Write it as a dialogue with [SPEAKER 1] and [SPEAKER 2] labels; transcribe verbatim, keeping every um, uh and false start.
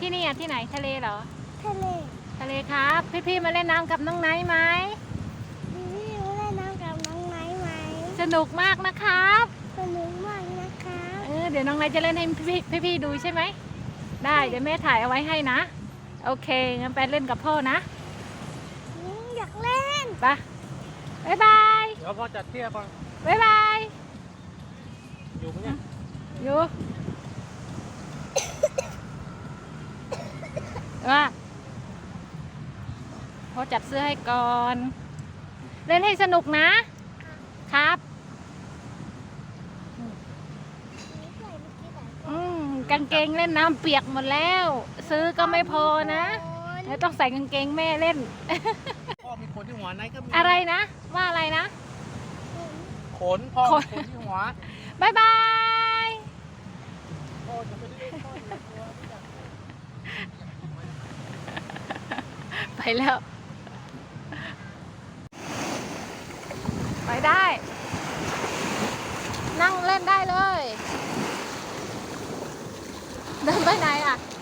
[SPEAKER 1] ที่นี่อ่ะที่ไหนทะเลเหรอ
[SPEAKER 2] ทะเล
[SPEAKER 1] ทะเลครับพี่ๆมาเล่นน้ำกับน้องไนท์ไหม
[SPEAKER 2] พี่ๆมาเล่นน้ำกับน้องไนท์ไหม
[SPEAKER 1] สนุกมากนะครับ
[SPEAKER 2] สนุกมากนะครับ
[SPEAKER 1] เออเดี๋ยวน้องไนท์จะเล่นให้พี่พี่ๆดูใช่ไหมได้เดี๋ยวแม่ถ่ายเอาไว้ให้นะโอเคงั้นไปเล่นกับพ่อนะ
[SPEAKER 2] อยากเล่น
[SPEAKER 1] ไปบ๊ายบาย
[SPEAKER 3] เดี๋ยวพอจัดเที่ยวก่อน
[SPEAKER 1] บ๊ายบาย
[SPEAKER 3] อยู่ไหมเนี่ย
[SPEAKER 1] อยู่ว่าพอจัดเสื้อให้ก่อน เล่นให้สนุกนะครับอืมกางเกงเล่นน้ำเปียกหมดแล้ว ซื้อก็ไม่พอนะแล้วต้องใส่กางเกงแม่เล่น
[SPEAKER 3] พ่อมีขนที่หัวไหนก็มี
[SPEAKER 1] อะไรนะว่าอะไรนะ
[SPEAKER 3] ขนพ่อมีขนที่หัว
[SPEAKER 1] บายบาย
[SPEAKER 3] พ่อจะไม่ได้พ่ออยู่ตัว
[SPEAKER 1] ไปแล้ว ไปได้ นั่งเล่นได้เลย เดินไปไหนอ่ะ